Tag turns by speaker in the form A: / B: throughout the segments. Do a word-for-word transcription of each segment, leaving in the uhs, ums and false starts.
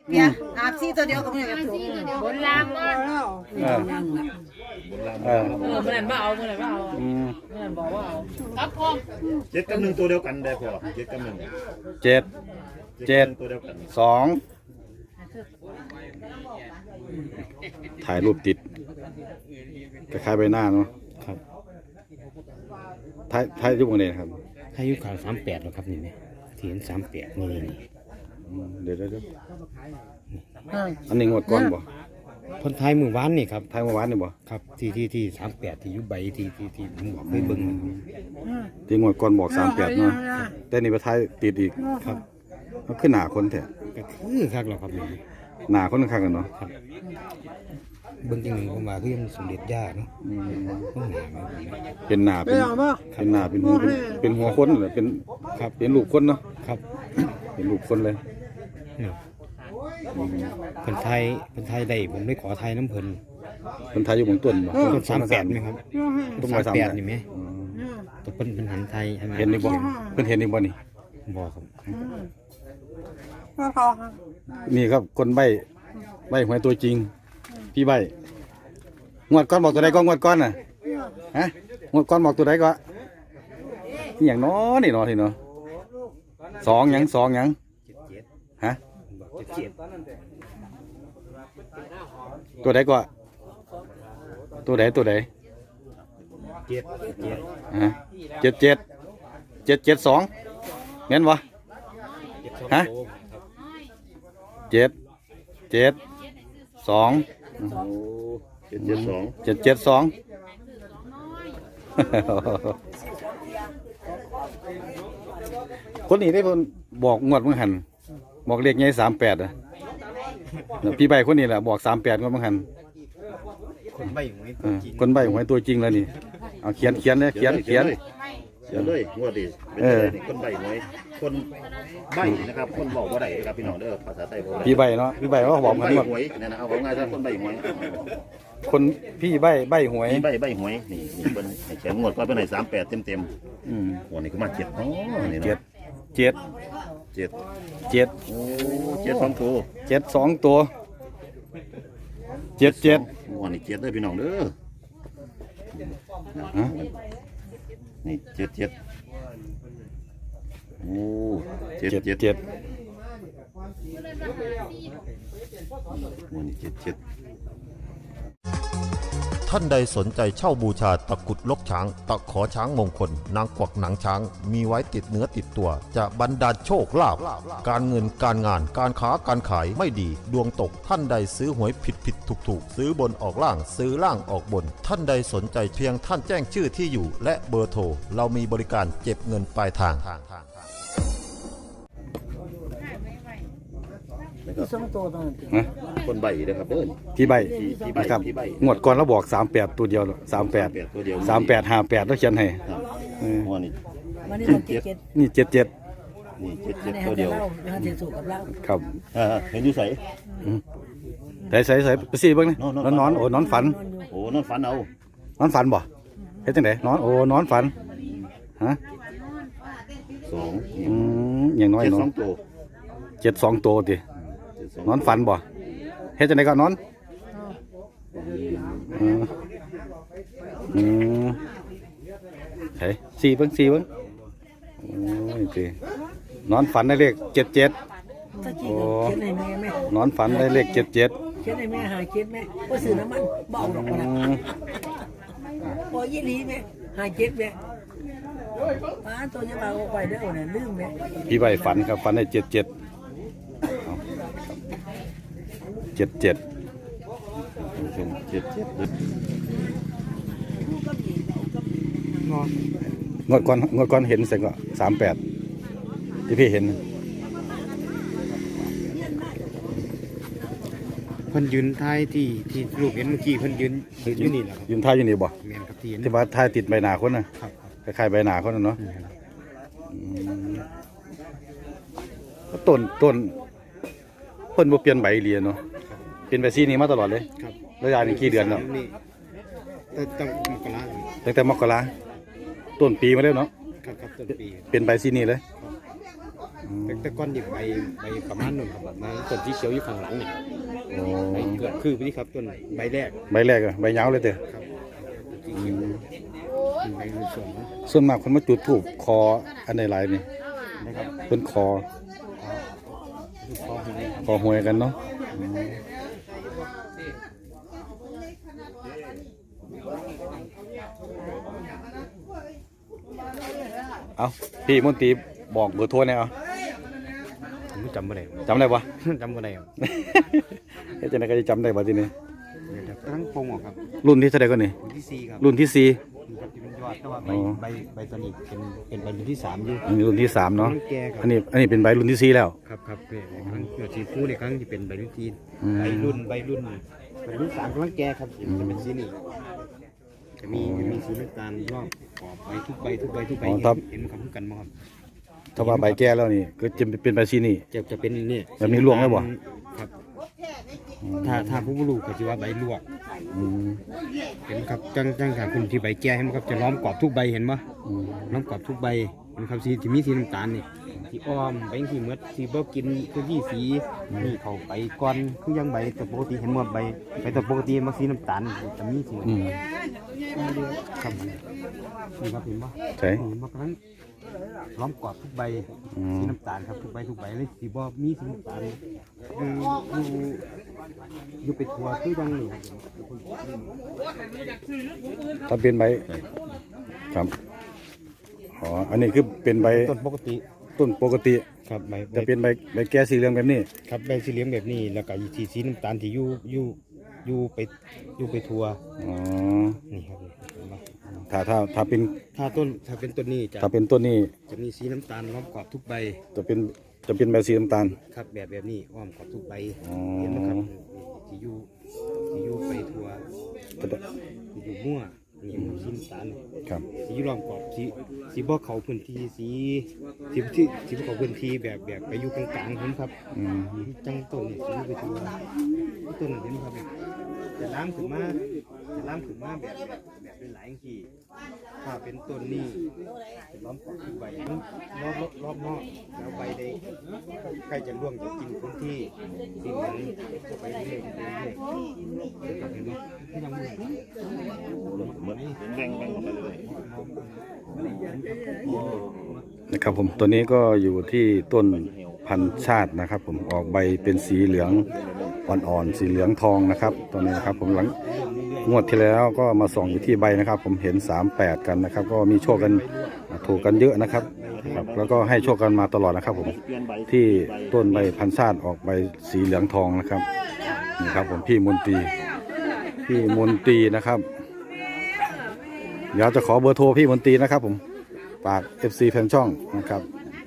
A: เนี่ยอาบซี่ตัวเดียวกับมือกับถุง
B: บนล่างมา
C: เออเออ
B: เออเมื่อนั้นมาเอาเมื่อนั้นมาเอา
C: อืม
B: เมื่อนั้นบอกว่าเอาครับพ่อ
D: เจ็ดกับหนึ่งตัวเดียวกันได้พอเจ็ดกับหนึ่ง
C: เจ็ดเจ็ด
D: ตัวเดียวกัน
C: สองถ่ายรูปติดคล้ายๆใบหน้าเนาะ
E: ครับ
C: ถ่ายถ่ายรูปกันเลยนะครับ
E: อายุข่าวสามแปดแล้วครับนี่เนี่ยที่เห็นสามแปดนี่นี่
C: อืมเดี๋ยวเดี๋ยวเดี๋ยวอันนี้งวดก่อนบ่
E: คนไทยมือวานนี่ครับ
C: ถ่ายเมื่อวานนี่บ่
E: ครับที่ที่ที่สามแปดที่อยุใบที่ที่ที่ผมบอกเคยเบิ่งนะครับ
C: ที่งวดก่อนบอกสามแปดเนาะแต่นี่ไปถ่ายติดอีก
E: ครับ
C: มันขึ้นหนาคนแท้
E: ก็คือคักแล้วครับนี่
C: หนาคนข้างกันเนาะ
E: เบิ่งจริงหนึ่งผมว่าคือยังสมเด็จย่าเนาะ
C: อืม
E: ต้องหนาไหม
C: เป็นหนาเป็นเป็นหนาเป็นหัวเป็นเป็นหัวคนเหรอเป็นครับเป็นลูกคนเนาะ
E: ครับ
C: เป็นลูกคนเลย
E: เนี่ยคนไทยคนไทยได้ผมได้ขอไทยน้ำเพลิน
C: คนไทยอยู่บนต้นบ่
E: ต้นสามแปดไหมครับ
C: ต้น
E: สา
C: ไม้
E: ม
C: สาม
E: แป
C: แป
E: ด
C: ด
E: นี่ไหม
C: อืม
E: ตัวเป็นเป็นหันไทยใช่ไหม
C: เห็นนี่บ่เพิ่นเห็นนี่บ่นี่
E: บอกครับ
C: นี่ครับคนใบใบหวยตัวจริง พี่ใบงวดก้อนบอกตัวใดก็งวดก้อนน่ะฮะงวดก้อนบอกตัวใดก็นี่อย่างน้อนี่เนาะที่เนาะสองหยังสองหยังฮะ
E: บอกเจ็ด
C: ตัวใดก็ตัวใดตัวใด
E: เจ็ดเจ็ด
C: ฮะเจ็ดเจ็ดเจ็ดเจ็ดสองแม่นวะฮะเจ็ดเจ็ดสอง
D: โอ้เจ็ดเจ็ดสอง
C: เจ็ดเจ็ดสองคนนี้ได้เพิ่นบอกงวดเมื่อหันบอกเลขใหญ่สามแปดอ่ะพี่ใบคนนี้แหละบอกสามแปดงวดเมื่อหัน
E: คนใบหวย
C: เออคนใบหวยตัวจริงแล้วนี่เอาเขียนเขียนเลยเขียนเขียน
D: เขียนเลยงวดดิเป็น
C: เออ
D: อะไรนี่คนใบหวยคนใบนะครับคนบอกว่าได้ครับพี่น้องเด้อภาษาไทยบอกว่า
C: พี่ใบเนาะพี่ใบว่าบอก
D: คน
C: กัน
D: ใบ
C: หมด
D: หวยเนี่ยนะเอาของง่ายๆคนใบหวย
C: คนพี่ใบใบหวย
D: นี่ใบใบหวยนี่นี่เป็นให้เขียนงวดก็เป็นไหนสามแปดเต็มเต็ม
C: อืม
D: ๆวันนี้ก็มาเจ็ดอ๋อนี่
C: เจ็ด
D: เนาะ
C: เจ็ด
D: เจ็ด
C: เจ็ด
D: โอ้เจ็ดสองตัว
C: เจ็ดสองตัวเจ็ดเจ็ด
D: วันนี้เจ็ดเด้อพี่น้องเด้อ
C: ฮะ
D: นี่เจ็ดเจ็ดโอ้เจ็ด
C: เจ็ด
D: เจ็ด
C: เจ็ด
D: วันนี้เจ็ดเจ็ด
F: ท่านใดสนใจเช่าบูชาตะกรุดลกช้าง ตะขอช้างมงคล นางกวักหนังช้าง มีไว้ติดเนื้อติดตัว จะบรรดาลโชคลาภการเงินการงานการค้าการขายไม่ดี ดวงตกท่านใดซื้อหวยผิดผิดถูกถูกซื้อบนออกล่างซื้อล่างออกบน ท่านใดสนใจเพียงท่านแจ้งชื่อที่อยู่ และเบอร์โทรเรามีบริการเก็บเงินปลายทาง
C: ฮะ
D: คนใบเด้อครับเด้อ
C: พี่ใบ
D: พี่พี่ใบ
C: นะครับ
D: พี่ใบ
C: งวดก่อนเราบอกสามแปดตัวเดียวสามแปด
D: แปดตัวเดียว
C: สามแปดห้าแปดแล้วเขียนให้
D: ครับ
C: เออ
D: วันนี้
A: วันนี้เราเจ็ดเจ็ด
C: นี่เจ็ดเจ็ด
D: นี่เจ็ด
A: อั
D: เจ็
A: น
D: ด
A: นี้
D: ตัว
A: เขา
D: เดี
A: จะ
D: ยว
A: เล่าเรื่องเทสุกับเรา
C: ครับ
D: อ่าเห็นอยู่ใส่
C: ใส่ใส่ใส่ไปสิเบิ่งนี่
D: นอนน
C: น
D: อ
C: อน นนอนโอ้นอนฝัน
D: โอ้นอนฝันเอา
C: นอนฝันบ่เฮ็ดจังไดนอนโอ้นอนฝันฮะ
D: สอง
C: อืมอย่างน้อย
D: เจ็ด
C: นอ
D: ส
C: น
D: องตัว
C: เจ็ดสองตัวติ
D: เจ็ดสอง
C: นอนฝันบ่เฮ็ดจังไดก็นอนเอออืมเฮ้ยสี่เบิ่งสี่เบิ่งโอ้ยตินอนฝันได้เลขเจ็ดเจ็ด
A: ถ้ากินเขียนให้แม่แม่
C: นอนฝันได้เลขเจ็ดเจ็ด
A: เขียนให้แม่หาเขียนแม่ว่าซื้อน้ำมันเบาดอกนะพอยี่ลีแม่หาเจ็ดแม่ป้าตัวจะมาเอาไปได้เอาเนี่ยลืมแม่
C: พี่ใบฝันครับฝันได้เจ็ดเจ็ดเจ็ดเจ็ด
D: เจ็ดเจ็ดเด้อง
C: วดก่อนงวดก่อนเห็นเสร็จก็สามแปดที่พี่เห็น
E: เพิ่นยืนท้ายที่ที่ลูกเห็นเมื่อกี้เพิ่นยืนยืนอยู่นี่แหละครับ
C: ยืนท่าอยู่นี่บ่
E: แมนครับที่เห็น
C: ที่ว่าท่าติดใบหน้าคนน่ะ
E: ครับ
C: คล้ายๆใบหน้าคนน่ะเนาะอืมต้นต้นเพิ่นบ่เปลี่ยนใบเรียนเนาะเป็นใบสีนี้มาตลอดเลย
E: ครับ
C: ระยะนี้กี่เดือนแล้ว
E: นี่ตั้งตั้งมกรา
C: ตั้งแต่มกราต้นปีมาแล้วเนาะ
E: ครับครับต้นปี
C: เป็นใบสีนี้เลย
E: คแต่แต่ก้อนดิบใบใบประมาณนึงครับแบบมาต้นที่เขียวอยู่ข้างหลังนี่
C: โอ้
E: ใบเกือบคือนี่ครับต้นใบแรก
C: ใบแรกอะใบยาวเลยเด้อ
E: ครับที่เขียวเป็นใบส่วนนะ
C: ส่วนมากคนมาจุดธูปคออันใดหลายนี่
E: นะครับ
C: เพิ่นคอ
E: ลูกคอหวยครับ
C: คอหวยกันเนาะเอาพี่มนตรีบอกเบอร์โทรแหน่เอา
E: ผมจำไม่ได้
C: จำได้ปะ
E: จำไม่ได้ครับ
C: เฮ้ยจะไหนก็จะจำได้ปะทีนี้
E: เดี๋ยวจะตั้งปงออกครับ
C: รุ่นที่เท่าไหร่ก็นี่
E: รุ่นที่สี่ครับ
C: รุ่นที่สี่
E: นี่ครับที่เป็นยอดแต่ว่าใบ
C: อ๋อ
E: ใบใบตอนนี้เป็นเป็นใบรุ่นที่สามอยู่
C: อันนี้รุ่นที่สามเนาะ
E: กำลังแก่ครับ
C: อันนี้อันนี้เป็นใบรุ่นที่สี่แล้ว
E: ครับครับเพื่อนครั้งเกิดสีฟูในครั้งที่เป็นใบรุ่นที่
C: อืม
E: ใบรุ่นใบรุ่นใบรุ่นสามกำลังแก่ครับจะเป็นสีนี่จะมีจะมีสีน้ำตาลรอบขอบใบทุกใบทุกใบทุกใบเห็นเห็นคำพูดกันมั้งครับ
C: ถ้าว่าใบแก่แล้วนี่ก็จะเป็นใบซีนี่
E: จะจะเป็นเนี่ย
C: แบบนี้ลวกไหมบ่
E: ครับถ้าถ้าผู้บรูก็จะว่าใบลวก
C: อืม
E: เห็นครับจังจังถ้าคุณที่ใบแก่เห็นไหมครับจะล้อมกรอบทุกใบเห็นไหม
C: อืม
E: ล้อมกรอบทุกใบเห็นครับสีที่มีสีน้ำตาลนี่สีอ้อมใบสีเมือดสีบ่กินคือที่สีนี่เขาไปก่อนคือยังใบแต่ปกติเห็นหมดใบใบแต่ปกติมันสีน้ำตาลจะมีสี
C: อืม
E: ครับนี่ครับเห็นปะ
C: ใช่
E: เห็นปะครั้งล้อมกรอบทุกใบ
C: อืม
E: สีน้ำตาลครับทุกใบทุกใบเลยสีบ่มีสีน้ำตาลอยู่อยู่อยู่ไปทัวคือยังนี่ครับ
C: ถ้าเป็นใบครับอ๋ออันนี้คือเป็นใบ
E: ต้นปกติ
C: ต้นปกติ
E: ครับใบ
C: จะเป็นใบใบแก่สีเหลืองแบบนี้
E: ครับใบสีเหลืองแบบนี้แล้วก็สีสีน้ำตาลที่อยู่อยู่อยู่ไปอยู่ไปทัว
C: อ๋อ
E: นี่ครับเห็นปะ
C: ถ้าถ้าถ้าเป็น
E: ถ้าต้นถ้าเป็นต้นนี้จะ
C: ถ้าเป็นต้นนี้
E: จะมีสีน้ำตาลล้อมกรอบทุกใบ
C: จะเป็นจะเป็นใบสีน้ำตาล
E: ครับแบบแบบนี้อ้อมกรอบทุกใบ
C: อ๋อ
E: เห็นไหมครับที่อยู่ที่อยู่ไปทัว
C: ก็ได้
E: ที่อยู่มั่วนี่มันสีน้ำตาล
C: ครับ
E: สีล้อมกรอบสีสีบ่เขาพื้นที่สีสีที่สีบ่เขาพื้นที่แบบแบบไปอยู่กลางๆผมครับ
C: อืม
E: จังต้นนี่สีอยู่ไปทัวต้นเห็นไหมครับจะล้างขึ้นมาจะล้างขึ้นมาแบบแบบแบบเป็นหลายอย่างที่ถ้าเป็นต้นนี้จะล้อมกรอบทุกใบรอบรอบรอบนอกแล้วใบใดใกล้จะร่วงจะกินพื้นที่สีเหลืองไปเรื่อยๆเรื่อยๆครับเห็นไหมที่ยังมือ
D: เหมือนแบ่งแบ่งออกไปเลย
C: นะครับผมตัวนี้ก็อยู่ที่ต้นพันธุ์ชาตินะครับ ผมออกใบเป็นสีเหลืองอ่อนๆสีเหลืองทองนะครับตัวนี้นะครับ ผมหลังงวดที่แล้วก็มาส่องอยู่ที่ใบนะครับ ผมเห็นสามแปดกันนะครับ ก็มีโชคกันถูกกันเยอะนะครับครับ แล้วก็ให้โชคกันมาตลอดนะครับ ผมที่ต้นใบพันธุ์ชาติออกใบสีเหลืองทองนะครับนี่ครับ ผมพี่มนตรีพี่มนตรีนะครับเดี๋ยวจะขอเบอร์โทรพี่มนตรีนะครับ ผมฝาก เอฟ ซี แฟนช่องนะครับ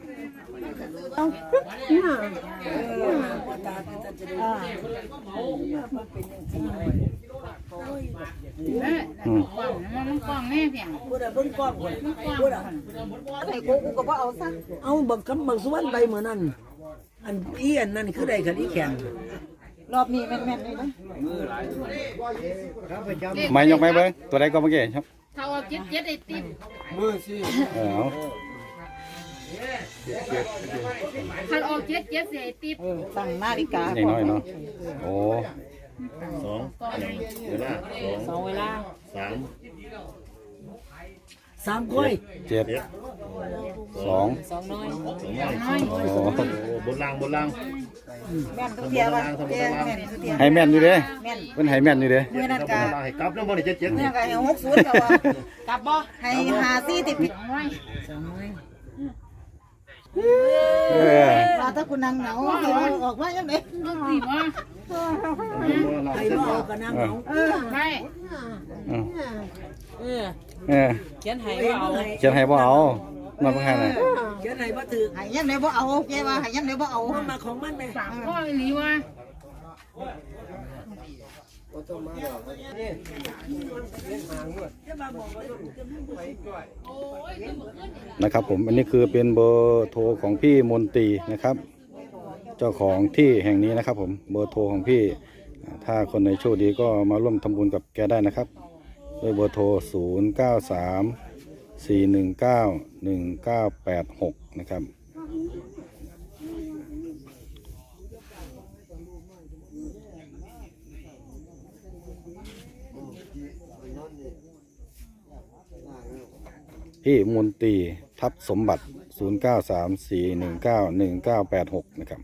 B: แม่
C: อืม
B: กล่องมันกล่องแม่เพียง
A: พูดอะเบิ่งกล้องคน
B: มันกล่อง
A: พูดอะ
G: ไอ้กูกูก็บ่เอาซะ
A: เอาบักกำบักสวนใบเหมือนนั่นอันอีอันนั่นคือใดกันอีแขน
G: รอบนี้แม่นๆเลยนะ
C: ไม่ยกไม่เบิ้งตัวใดก็เมื่อกี้ครับ
B: เท่าเจ็ดเจ็ดไอ้ติ๊บ
C: เออเอา
B: ถ้าออกเจ็ดเจ็ดเสียไอ้ติ๊บ
G: เออตั้งนาฬิกา
C: อย่างน้อยเนาะโอ้
D: สองเวลาสอง
G: สองเวลา
D: สาม
A: สามก้อย
C: เจ็ดสอง
G: สองน้อย
D: สองน้อย
B: น้อย
C: โอ้
D: โอ้บนล่างบนล่าง
G: แม่นทุกเทียว่าเทียแม่นทุกเทีย
C: ให้แม่นอยู่เด้
G: แม่น
C: เป็นให้แม่นอยู่เด้
G: เมื่อนั้น
D: บ
G: ก็
D: นล่างให้กลับแล้วบนนี่เจ็ดเจ็ด
G: เมื่
D: นี่
G: อนั้นก็ให้หกศูนย์ก็ว่ากลับบ่ให้หาซี่ติดผิด
B: น้อย
C: เออ
G: ว่าถ้าคุณนั่งเหงาสิว่าออกมาจังได๋
B: ต้องสีว่า
A: ใครบ่เอากระนังเอา
G: เออ
B: ไม่
C: อืม
G: เออ
C: เออ
G: เขียนให้
A: เห็น
G: บ่เอา
A: ไหม
C: เขียนให้บ่เอามาบ่ให้น่ะ
A: เขียนไหนบ่ถือ
G: ให้ยังไดบ่เอาแกว่าให้ยังไดบ่เอา
A: มันมาของมันไหม
B: สามข้อไอ้หลีว่า
C: นะครับ ผมอันนี้คือเป็นเบอร์โทรของพี่มนตรีนะครับ เจ้าของที่แห่งนี้นะครับ ผมเบอร์โทรของพี่ถ้าคนในโชคดีก็มาร่วมทำบุญกับแกได้นะครับด้วยเบอร์โทรศูนย์เก้าสามสี่หนึ่งเก้าหนึ่งเก้าแปดหกนะครับพี่มนตรีทับสมบัติ ศูนย์ เก้า สาม สี่ หนึ่ง เก้า หนึ่ง เก้า แปด หก นะครับ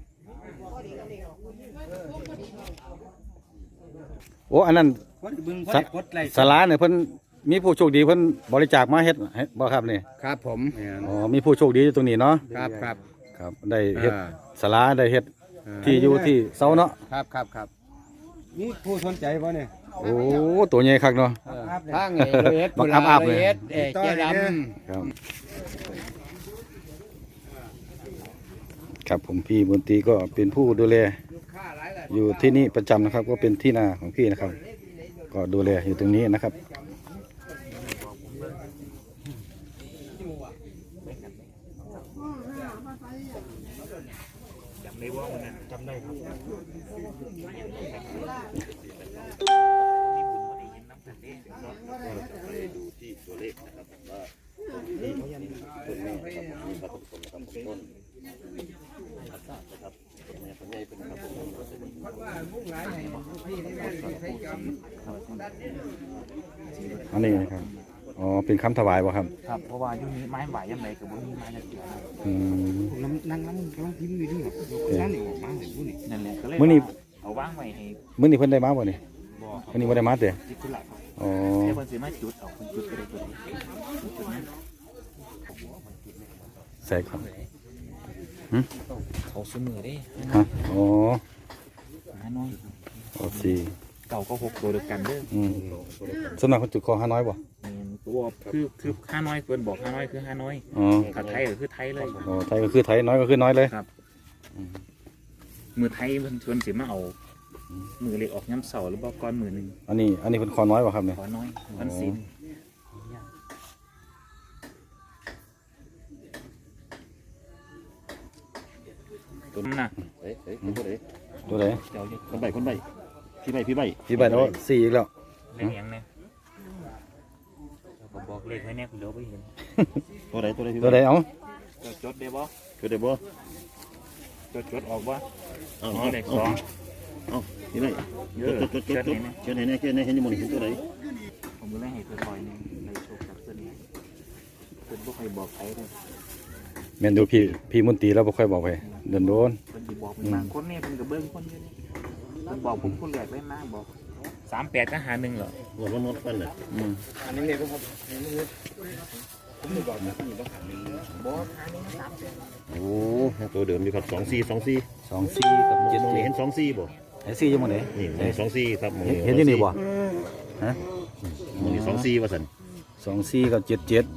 C: โอ้อันนั้น
E: คนบึง
C: สะ
E: กดไลค์
C: สาราเนี่ยเพิ่นมีผู้โชคดีเพิ่นบริจาคมาเฮ็ดให้บ่ครับนี่
E: ครับผม
C: อ๋อมีผู้โชคดีอยู่ตรงนี้เนาะ
E: ครับครับ
C: ครับได้เฮ็ด
E: อ่า
C: สาราได้เฮ็ดที่อยู่ที่เสาเนาะ
E: ครับครับครับนี่ผู้สนใจป่ะเนี่ย
C: โอ้ตัวใหญ่คักเนาะ
E: ทางเอเอส
C: บักอัพอัพเลย
E: เอเจด
C: ครับครับผมพี่มนตรีก็เป็นผู้ดูแลอยู่ที่นี่ประจำนะครับ ก็เป็นที่นาของพี่นะครับ ก็ดูแลอยู่ตรงนี้นะครับอันนี้นะครับอ๋อเป็นคำถวายบ่ครับ
H: ครับเพราะว่ายุคนี้ไม้ไหวยังไงกับว่ามีไม้จะเกี่ยว
C: อืม
E: นั่งนั่งนั่งนั่งพิมพ์อยู่นี่นั่นนี่ออกมาเห็นผู้นี่
H: นั่นแหละก็เลย
C: มื้อนี้
H: เอาว่างไว้ให้
C: มื้อนี้เพิ่นได้มาบ่นี่
H: บ่ครั
C: มื้อนี้บ่ได้มาเด้อ
H: จิตธุระครับ
C: อ๋อ
H: เดี๋ยวเพิ่นสิมาจุดเอาเพิ่นจุดก็ได้ตัวนี้จุดนั้น
C: ใส่ครับ
H: เขาซื้อมือได้
C: ฮะอ๋อ
H: หาน้อย
C: โอสี่
H: เก่าก็หกตัวเดียวกันเด้อ
C: อืมสำนักคนจุดคอห้าน้อยบ่
H: อืมตัวคือคือห้าน้อยเพิ่นบอกห้าน้อยคือห้าน้อย
C: อ๋อ
H: ถ้าไทยก็คือไทยเลย
C: อ๋อไทยก็คือไทยน้อยก็คือน้อยเลย
H: ครับมือไทยเพิ่นชวนสิมาเอามือเล็กออกย้ำเสาหรือบ่ก้อนมือหนึง
C: อันนี้อันนี้เป็นคอน้อยบ่ครับเนี่ย
H: ขอน้อยวันศีลตัวนั้นน่ะ
D: เฮ้ยเฮ้ยคนไหน
C: ตัวไหน
H: เจ้าอยู่
D: คนใบคนใบพี่ใบพี่ใบ
C: พี่ใบแล้วสี่อีกแล้ว
H: เลขยังเนี่ยเราก็บอกเลขไว้เนี่ยคุณเดี๋ยวไปเห็น
D: ตัวไหนตัวไหนพี่
C: ตัวไหนเอา
H: จดจดได้บ่
D: คือเดี๋ยวบ่
H: จดจดออกบ่
D: เอา
H: อ๋อ
D: เอา
H: เลข
D: เอา
H: สอง
D: เอาพี่ใบ
H: เย
D: จ
H: อะ
D: ดจดจดจดเขียนไหนเนี่ยเขียนไหนเห็นยังมองเห็นตัวไหน
H: ผมก็เลยให้เธอคอยเนี่ยในโชคกับเส้นนี้เพิ่นบ่ค่อยบอกใครเลย
C: แม่นดูพี่พี่มนตรีแล้วบ่ค่อยบอกไปเดินโดน
H: เพิ่นสิบอกเป็นบางคนเนี่ยเพิ่นก็เบิ่งคนอยู่นี่เพิ่นบอกผมคนแรกเลยนะบอกสามแปดก็หาหนึ่งเหรอ
D: หมดวันนดฟันเลย
C: อืม
E: อันนี้เนี่ยผมผมไม่บอกนะ
D: โอ้ตัวเดิมอยู่ครับสองสี่สองสี่
C: สองสี่กับเจ็ด
D: มอง
C: สี่
D: เห็นสองสี่บ่
C: ไอ้สี่อยู่หมดไหน
D: นี่มองสองสี่ครับมอง
C: เห็นอยู่นี่บ่ฮะ
D: มองนี่สองสี่ว่าสัน
C: สองสี่กับเจ็ดเจ็ด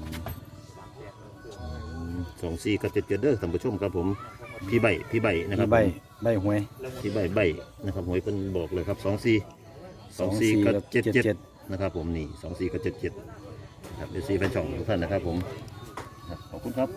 D: สองสี่กับเจ็ดเจ็ดเด้อท่านผู้ชมครับผมพี่ใบพี่ใบนะครั
C: พี่
D: บ
C: ใบใบหวย
D: พี่ใบใบนะครับหวยเป็นบอกเลยครับสองสี่สองสี่กับเจ็ดเจ็ดนะครับผมนี่สองสี่กับเจ็ดเจ็ดครับเดี๋ยวสี่แฟนช่องทุกท่านนะครับผมขอบคุณครับ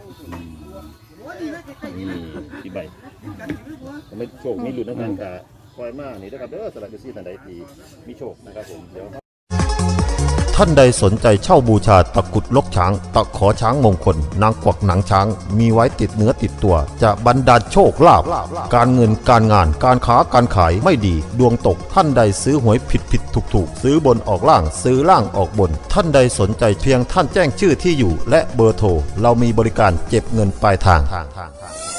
D: นี่พี่ใบทำไมโชคมีหลุดนะครับกะคอยมากนี่นะครับเด้อสำหรับเดี๋ยวสี่ท่านใดที่มีโชคนะครับผมเดี๋ยว
F: ท่านใดสนใจเช่าบูชาตะกรุดลกช้าง ตะขอช้างมงคล นางกวักหนังช้าง มีไว้ติดเนื้อติดตัว จะบรรดาลโชคลาภการเงินการงานการค้าการขายไม่ดี ดวงตกท่านใดซื้อหวยผิดผิดถูกถูกซื้อบนออกล่างซื้อล่างออกบน ท่านใดสนใจเพียงท่านแจ้งชื่อที่อยู่ และเบอร์โทรเรามีบริการเก็บเงินปลายทาง